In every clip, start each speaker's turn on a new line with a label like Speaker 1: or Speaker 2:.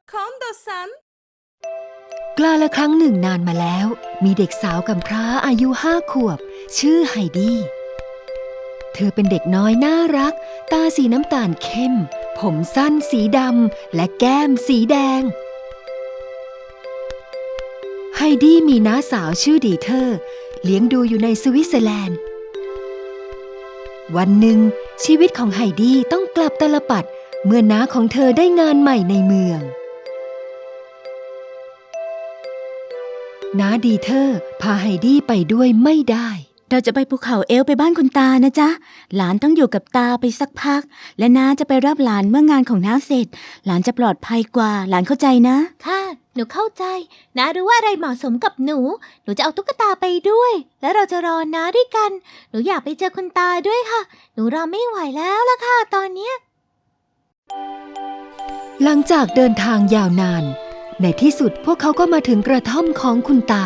Speaker 1: 今度さん
Speaker 2: กล้าละครั้งหนึ่งนานมาแล้วมีเด็กสาวกำพร้าอายุ5 ขวบชื่อไฮดี้เธอเป็นเด็กน้อยน่ารักตาสีน้ำตาลเข้มผมสั้นสีดำและแก้มสีแดงไฮดี้มีน้าสาวชื่อดีเทอร์เลี้ยงดูอยู่ในสวิตเซอร์แลนด์วันหนึ่งชีวิตของไฮดี้ต้องกลับตาลปัตรเมื่อน้าของเธอได้งานใหม่ในเมืองน้าดีเทอร์พาไฮดี้ไปด้วยไม่ได้
Speaker 3: เราจะไปภูเขาเอลไปบ้านคุณตานะจ๊ะหลานต้องอยู่กับตาไปสักพักและน้าจะไปรับหลานเมื่องานของน้าเสร็จหลานจะปลอดภัยกว่าหลานเข้าใจนะ
Speaker 4: ค่ะหนูเข้าใจน้ารู้ว่าอะไรเหมาะสมกับหนูจะเอาตุ๊กตาไปด้วยแล้วเราจะรอน้าด้วยกันหนูอยากไปเจอคุณตาด้วยค่ะหนูรอไม่ไหวแล้วล่ะค่ะตอนเนี้ย
Speaker 2: หลังจากเดินทางยาวนานในที่สุดพวกเขาก็มาถึงกระท่อมของคุณตา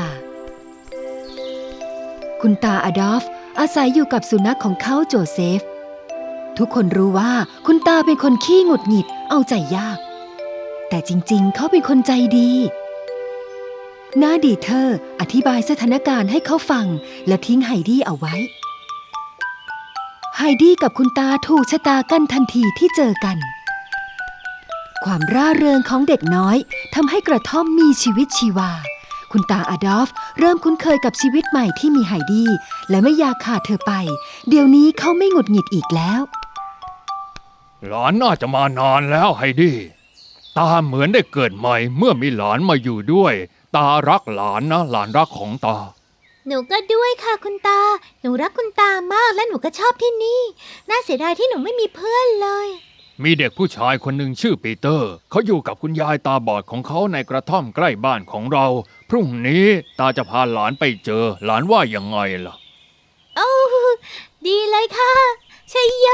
Speaker 2: คุณตาอดอล์ฟอาศัยอยู่กับสุนัขของเขาโจเซฟทุกคนรู้ว่าคุณตาเป็นคนขี้หงุดหงิดเอาใจยากแต่จริงๆเขาเป็นคนใจดีน้าดีเทอร์อธิบายสถานการณ์ให้เขาฟังและทิ้งไฮดี้เอาไว้ไฮดี้กับคุณตาถูกชะตากันทันทีที่เจอกันความร่าเริงของเด็กน้อยทำให้กระท่อมมีชีวิตชีวาคุณตาอดอล์ฟเริ่มคุ้นเคยกับชีวิตใหม่ที่มีไฮดี้และไม่อยากขาดเธอไปเดี๋ยวนี้เขาไม่หงุดหงิดอีกแล้ว
Speaker 5: หลานน่าจะมานานแล้วไฮดี้ตาเหมือนได้เกิดใหม่เมื่อมีหลานมาอยู่ด้วยตารักหลานนะหลานรักของตา
Speaker 4: หนูก็ด้วยค่ะคุณตาหนูรักคุณตามากและหนูก็ชอบที่นี่น่าเสียดายที่หนูไม่มีเพื่อนเลย
Speaker 5: มีเด็กผู้ชายคนหนึ่งชื่อปีเตอร์เขาอยู่กับคุณยายตาบอดของเขาในกระท่อมใกล้บ้านของเราพรุ่งนี้ตาจะพาหลานไปเจอหลานว่ายังไงล่ะ
Speaker 4: โอ้ดีเลยค่ะชัยโย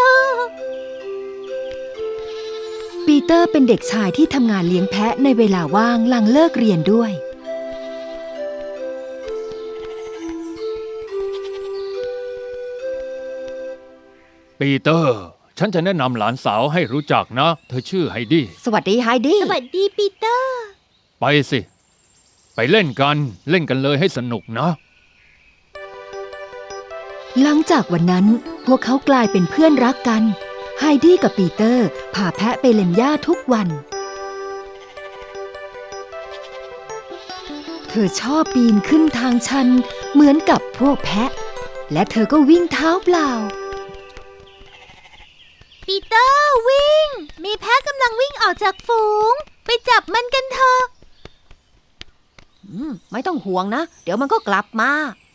Speaker 2: ปีเตอร์เป็นเด็กชายที่ทำงานเลี้ยงแพะในเวลาว่างหลังเลิกเรียนด้วย
Speaker 5: ปีเตอร์ฉันจะแนะนำหลานสาวให้รู้จักนะเธอชื่อไฮดี้
Speaker 2: สวัสดีไฮดี้
Speaker 4: สวัสดีปีเตอร์
Speaker 5: ไปสิไปเล่นกันเลยให้สนุกนะ
Speaker 2: หลังจากวันนั้นพวกเขากลายเป็นเพื่อนรักกันไฮดี้กับปีเตอร์พาแพะไปเล่นหญ้าทุกวันเธอชอบปีนขึ้นทางชันเหมือนกับพวกแพะและเธอก็วิ่งเท้าเปล่า
Speaker 4: ปีเตอร์วิ่งมีแพะกำลังวิ่งออกจากฝูงไปจับมันกันเถอะ
Speaker 2: ไม่ต้องห่วงนะเดี๋ยวมันก็กลับมา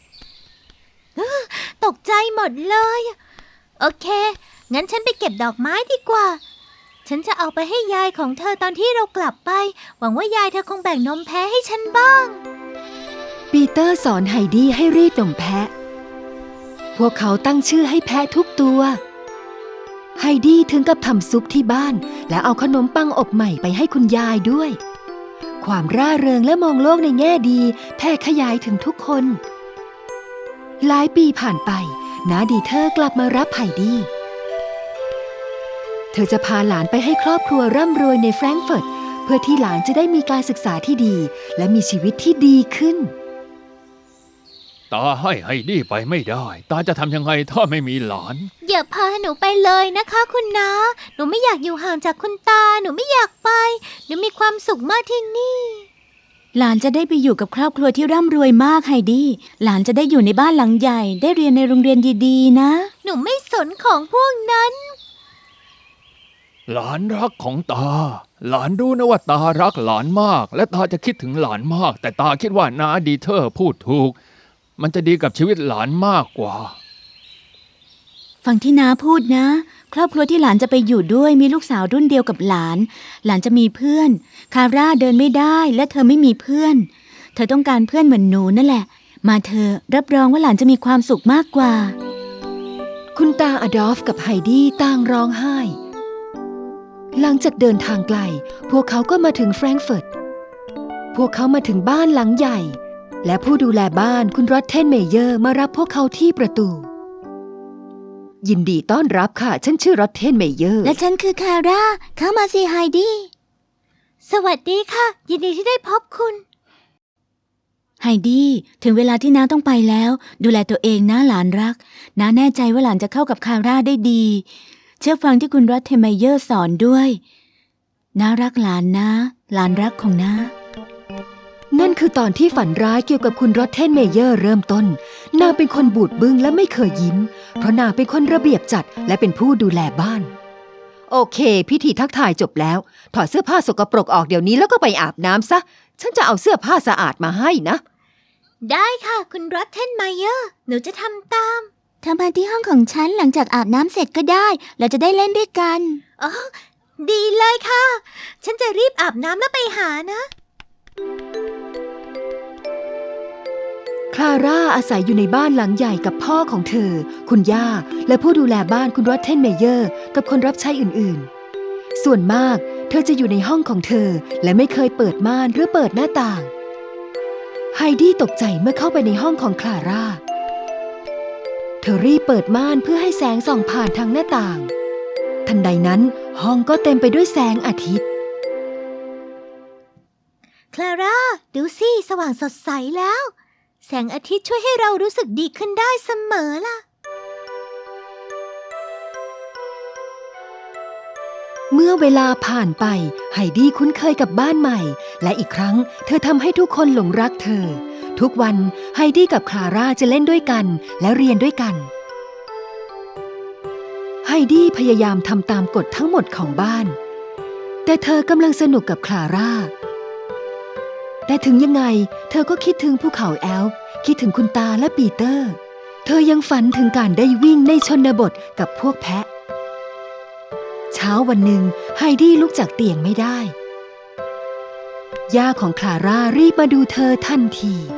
Speaker 4: ตกใจหมดเลยโอเคงั้นฉันไปเก็บดอกไม้ดีกว่าฉันจะเอาไปให้ยายของเธอตอนที่เรากลับไปหวังว่ายายเธอคงแบ่งนมแพะให้ฉันบ้าง
Speaker 2: ปีเตอร์สอนไฮดี้ให้รีดนมแพะพวกเขาตั้งชื่อให้แพะทุกตัวไฮดี้ถึงกับทำซุปที่บ้านและเอาขนมปังอบใหม่ไปให้คุณยายด้วยความร่าเริงและมองโลกในแง่ดีแผ่ขยายถึงทุกคนหลายปีผ่านไปน้าดีเทอร์กลับมารับไฮดี้เธอจะพาหลานไปให้ครอบครัวร่ำรวยในแฟรงก์เฟิร์ตเพื่อที่หลานจะได้มีการศึกษาที่ดีและมีชีวิตที่ดีขึ้น
Speaker 5: ตาให้ไฮดี้ไปไม่ได้ตาจะทำยังไงถ้าไม่มีหลาน
Speaker 4: อย่าพาหนูไปเลยนะคะคุณน้าหนูไม่อยากอยู่ห่างจากคุณตาหนูไม่อยากไปหนูมีความสุขมากที่นี่
Speaker 3: หลานจะได้ไปอยู่กับครอบครัวที่ร่ำรวยมากไฮดี้หลานจะได้อยู่ในบ้านหลังใหญ่ได้เรียนในโรงเรียนดีๆนะ
Speaker 4: หนูไม่สนของพวกนั้น
Speaker 5: หลานรักของตาหลานรู้นะว่าตารักหลานมากและตาจะคิดถึงหลานมากแต่ตาคิดว่าน้าดีเทอร์พูดถูกมันจะดีกับชีวิตหลานมากกว่า
Speaker 3: ฟังที่น้าพูดนะครอบครัวที่หลานจะไปอยู่ด้วยมีลูกสาวรุ่นเดียวกับหลานหลานจะมีเพื่อนคาร่าเดินไม่ได้และเธอไม่มีเพื่อนเธอต้องการเพื่อนเหมือนหนูนั่นแหละมาเธอรับรองว่าหลานจะมีความสุขมากกว่า
Speaker 2: คุณตาอดอล์ฟกับไฮดี้ต่างร้องไห้หลังจากเดินทางไกลพวกเขาก็มาถึงแฟรงก์เฟิร์ตพวกเขามาถึงบ้านหลังใหญ่และผู้ดูแลบ้านคุณรอตเทนเมเยอร์มารับพวกเขาที่ประตูยินดีต้อนรับค่ะฉันชื่อรอตเทนเมเยอร์
Speaker 3: และฉันคือคาร่าเข้ามาสิไฮดี้
Speaker 4: สวัสดีค่ะ ยินดีที่ได้พบคุณ
Speaker 3: ไฮดี้ถึงเวลาที่น้าต้องไปแล้ว ดูแลตัวเองนะหลานรักน้าแน่ใจว่าหลานจะเข้ากับคาร่าได้ดี เชื่อฟังที่คุณรัตเทไมเยอร์สอนด้วยน้ารักหลานนะหลานรักของน้า
Speaker 2: นั่นคือตอนที่ฝันร้ายเกี่ยวกับคุณรอตเทนเมเยอร์เริ่มต้นนางเป็นคนบูดบึ้งและไม่เคยยิ้มเพราะนางเป็นคนระเบียบจัดและเป็นผู้ดูแลบ้านโอเคพิธีทักทายจบแล้วถอดเสื้อผ้าสกปรกออกเดี๋ยวนี้แล้วก็ไปอาบน้ำซะฉันจะเอาเสื้อผ้าสะอาดมาให้นะ
Speaker 4: ได้ค่ะ คุณรัตเทนไมเยอร์หนูจะทำตาม
Speaker 3: เธอมาที่ห้องของฉันหลังจากอาบน้ำเสร็จก็ได้ เราจะได้เล่นด้วยกัน
Speaker 4: อ๋อ ดีเลยค่ะ ฉันจะรีบอาบน้ำแล้วไปหานะ
Speaker 2: คลาร่าอาศัยอยู่ในบ้านหลังใหญ่กับพ่อของเธอคุณย่าและผู้ดูแลบ้านคุณรอตเทนเมเยอร์กับคนรับใช้อื่นๆส่วนมากเธอจะอยู่ในห้องของเธอและไม่เคยเปิดม่านหรือเปิดหน้าต่างไฮดี้ตกใจเมื่อเข้าไปในห้องของคลาร่าเธอรีบเปิดม่านเพื่อให้แสงส่องผ่านทางหน้าต่างทันใดนั้นห้องก็เต็มไปด้วยแสงอาทิตย์
Speaker 4: คลาร่าดูสิสว่างสดใสแล้ว แสงอาทิตย์ช่วยให้เรารู้สึกดีขึ้นได้เสมอล่ะ
Speaker 2: เมื่อเวลาผ่านไปไฮดี้คุ้นเคยกับบ้านใหม่และอีกครั้งเธอทำให้ทุกคนหลงรักเธอทุกวันไฮดี้กับคลาร่าจะเล่นด้วยกันและเรียนด้วยกันไฮดี้พยายามทำตามกฎทั้งหมดของบ้านแต่เธอกำลังสนุกกับคลาร่าแต่ถึงยังไงเธอก็คิดถึงภูเขาแอลป์คิดถึงคุณตาและปีเตอร์เธอยังฝันถึงการได้วิ่งในชนบทกับพวกแพะเช้าวันหนึ่งไฮดี้ลุกจากเตียงไม่ได้ย่าของคลาร่ารีบมาดูเธอทันที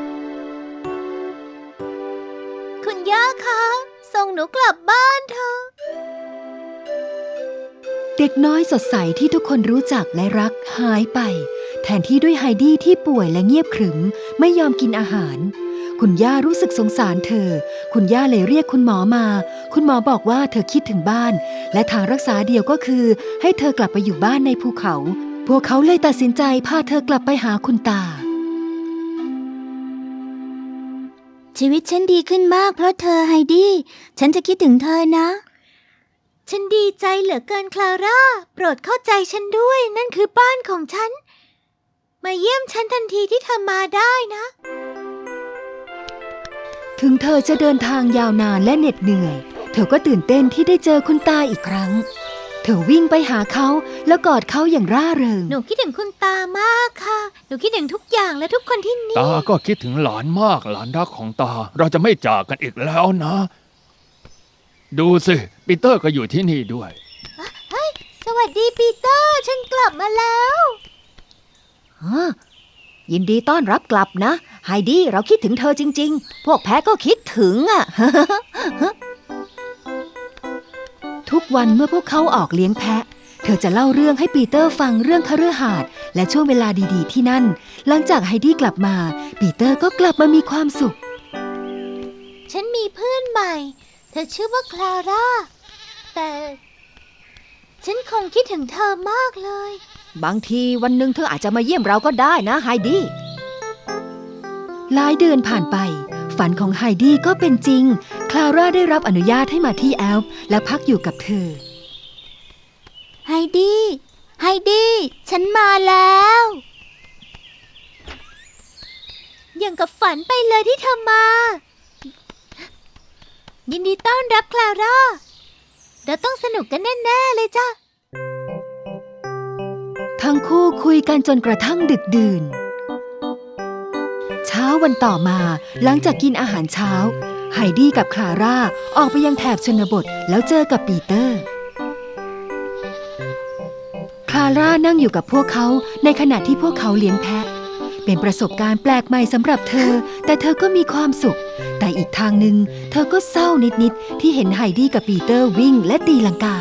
Speaker 4: คุณย่าคะส่งหนูกลับบ้านเถอะ
Speaker 2: เด็กน้อยสดใสที่ทุกคนรู้จักและรักหายไปแทนที่ด้วยไฮดี้ที่ป่วยและเงียบขรึมไม่ยอมกินอาหารคุณย่ารู้สึกสงสารเธอคุณย่าเลยเรียกคุณหมอมาคุณหมอบอกว่าเธอคิดถึงบ้านและทางรักษาเดียวก็คือให้เธอกลับไปอยู่บ้านในภูเขาพวกเขาเลยตัดสินใจพาเธอกลับไปหาคุณตา
Speaker 3: ชีวิตฉันดีขึ้นมากเพราะเธอไฮดี้ฉันจะคิดถึงเธอนะ
Speaker 4: ฉันดีใจเหลือเกินคลาร่าโปรดเข้าใจฉันด้วยนั่นคือบ้านของฉันมาเยี่ยมฉันทันทีที่เธอมาได้นะ
Speaker 2: ถึงเธอจะเดินทางยาวนานและเหน็ดเหนื่อยเธอก็ตื่นเต้นที่ได้เจอคุณตาอีกครั้งเธอวิ่งไปหาเขาแล้วกอดเขาอย่างร่าเริง
Speaker 4: หนูคิดถึงคุณตามากค่ะหนูคิดถึงทุกอย่างและทุกคนที่นี่
Speaker 5: ตาก็คิดถึงหลานมากหลานรักของตาเราจะไม่จากกันอีกแล้วนะ ดูสิปีเตอร์ก็อยู่ที่นี่ด้วย
Speaker 4: สวัสดีปีเตอร์ฉันกลับมาแล้ว
Speaker 2: ยินดีต้อนรับกลับนะไฮดี้เราคิดถึงเธอจริงๆพวกแพะก็คิดถึงอ่ะ ทุกวันเมื่อพวกเขาออกเลี้ยงแพะเธอจะเล่าเรื่องให้ปีเตอร์ฟังเรื่องคฤหาสน์และช่วงเวลาดีๆที่นั่นหลังจากไฮดี้กลับมาปีเตอร์ก็กลับมามีความสุข
Speaker 4: ฉันมีเพื่อนใหม่เธอชื่อว่าคลาร่าแต่ฉันคงคิดถึงเธอมากเลย
Speaker 2: บางทีวันหนึ่งเธออาจจะมาเยี่ยมเราก็ได้นะไฮดี้หลายเดือนผ่านไปฝันของไฮดี้ก็เป็นจริงคลาร่าได้รับอนุญาตให้มาที่แอลป์และพักอยู่กับเธอ
Speaker 3: ไฮดี้ไฮดี้ฉันมาแล้ว
Speaker 4: อย่างกับฝันไปเลยที่เธอมา ยินดีต้อนรับคลาร่าเราต้องสนุกกันแน่ๆเลยจ้ะ
Speaker 2: ทั้งคู่คุยกันจนกระทั่งดึกดื่นเช้าวันต่อมาหลังจากกินอาหารเช้าไฮดี้กับคลาร่าออกไปยังแถบชนบทแล้วเจอกับปีเตอร์คลาร่านั่งอยู่กับพวกเขาในขณะที่พวกเขาเลี้ยงแพะเป็นประสบการณ์แปลกใหม่สำหรับเธอแต่เธอก็มีความสุขแต่อีกทางหนึ่งเธอก็เศร้านิดๆที่เห็นไฮดี้กับปีเตอร์วิ่งและตีลังกา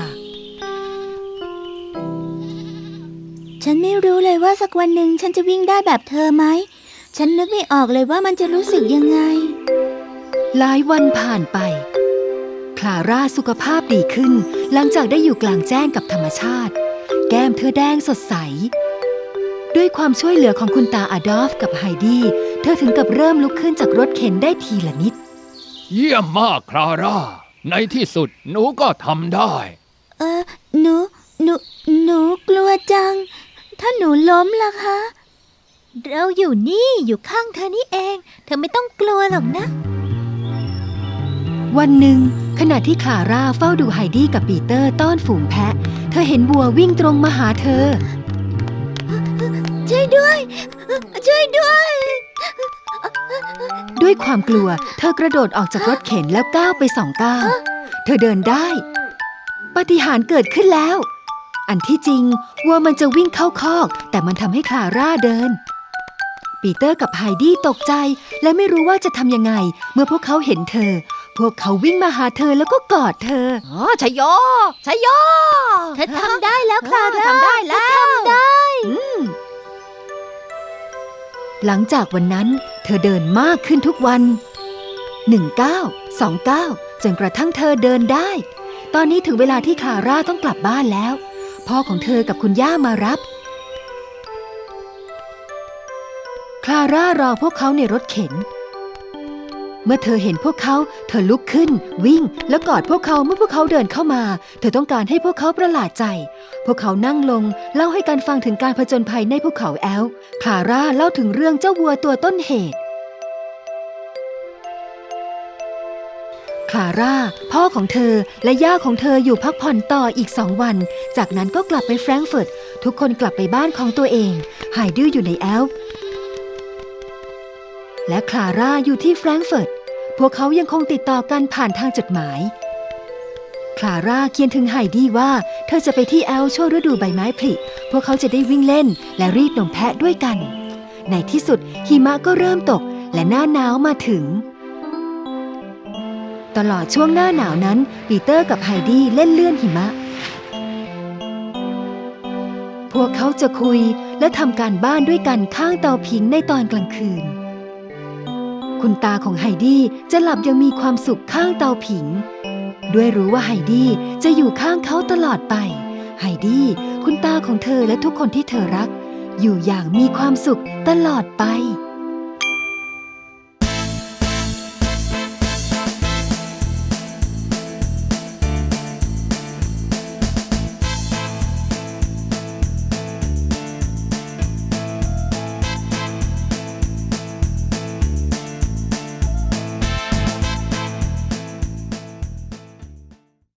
Speaker 3: ฉันไม่รู้เลยว่าสักวันหนึ่งฉันจะวิ่งได้แบบเธอไหมฉันนึกไม่ออกเลยว่ามันจะรู้สึกยังไง
Speaker 2: หลายวันผ่านไปคลาร่าสุขภาพดีขึ้นหลังจากได้อยู่กลางแจ้งกับธรรมชาติแก้มเธอแดงสดใสด้วยความช่วยเหลือของคุณตาอดอล์ฟกับไฮดี้เธอถึงกับเริ่มลุกขึ้นจากรถเข็นได้ทีละนิด
Speaker 5: เยี่ยมมากคลาร่า ในที่สุดหนูก็ทำได้
Speaker 3: หนูกลัวจัง ถ้าหนูล้มล่ะคะ
Speaker 4: เราอยู่นี่อยู่ข้างเธอนี่เอง เธอไม่ต้องกลัวหรอกนะ
Speaker 2: วันหนึ่งขณะที่คลาร่าเฝ้าดูไฮดี้กับปีเตอร์ต้อนฝูงแพะเธอเห็นวัววิ่งตรงมาหาเธอ
Speaker 4: ช่วยด้วย ช่วยด้วย
Speaker 2: ด้วยความกลัวเธอกระโดดออกจากรถเข็นแล้วก้าวไป2 ก้าวเธอเดินได้ปาฏิหาริย์เกิดขึ้นแล้ว อันที่จริงวัวมันจะวิ่งเข้าคอกแต่มันทำให้คลาร่าเดินปีเตอร์กับไฮดี้ตกใจและไม่รู้ว่าจะทำยังไงเมื่อพวกเขาเห็นเธอพวกเขาวิ่งมาหาเธอแล้วก็กอดเธอชัยโยชัยโย
Speaker 4: เธอทำได้แล้วคลาร่า
Speaker 2: ทำได้แล้ว
Speaker 4: เธอทำได้
Speaker 2: หลังจากวันนั้นเธอเดินมากขึ้นทุกวัน1 ก้าว2 ก้าวจนกระทั่งเธอเดินได้ตอนนี้ถึงเวลาที่คลาร่าต้องกลับบ้านแล้วพ่อของเธอกับคุณย่ามารับคลาร่ารอพวกเขาในรถเข็นเมื่อเธอเห็นพวกเขาเธอลุกขึ้นวิ่งแล้วกอดพวกเขาเมื่อพวกเขาเดินเข้ามาเธอต้องการให้พวกเขาประหลาดใจพวกเขานั่งลงเล่าให้กันฟังถึงการผจญภัยในภูเขาแอลป์คลาร่าเล่าถึงเรื่องเจ้าวัวตัวต้นเหตุคลาร่าพ่อของเธอและย่าของเธออยู่พักผ่อนต่ออีก2 วันจากนั้นก็กลับไปแฟรงก์เฟิร์ตทุกคนกลับไปบ้านของตัวเองไฮดี้อยู่ในแอลป์และคลาร่าอยู่ที่แฟรงก์เฟิร์ตพวกเขายังคงติดต่อกันผ่านทางจดหมายคลาร่าเขียนถึงไฮดี้ว่าเธอจะไปที่แอลป์ช่วงฤดูใบไม้ผลิพวกเขาจะได้วิ่งเล่นและรีดนมแพะด้วยกันในที่สุดหิมะก็เริ่มตกและหน้าหนาวมาถึงตลอดช่วงหน้าหนาวนั้นปีเตอร์กับไฮดี้เล่นเลื่อนหิมะพวกเขาจะคุยและทำการบ้านด้วยกันข้างเตาผิงในตอนกลางคืนคุณตาของไฮดี้จะหลับยังมีความสุขข้างเตาผิงด้วยรู้ว่าไฮดี้จะอยู่ข้างเขาตลอดไปไฮดี้คุณตาของเธอและทุกคนที่เธอรักอยู่อย่างมีความสุขตลอดไป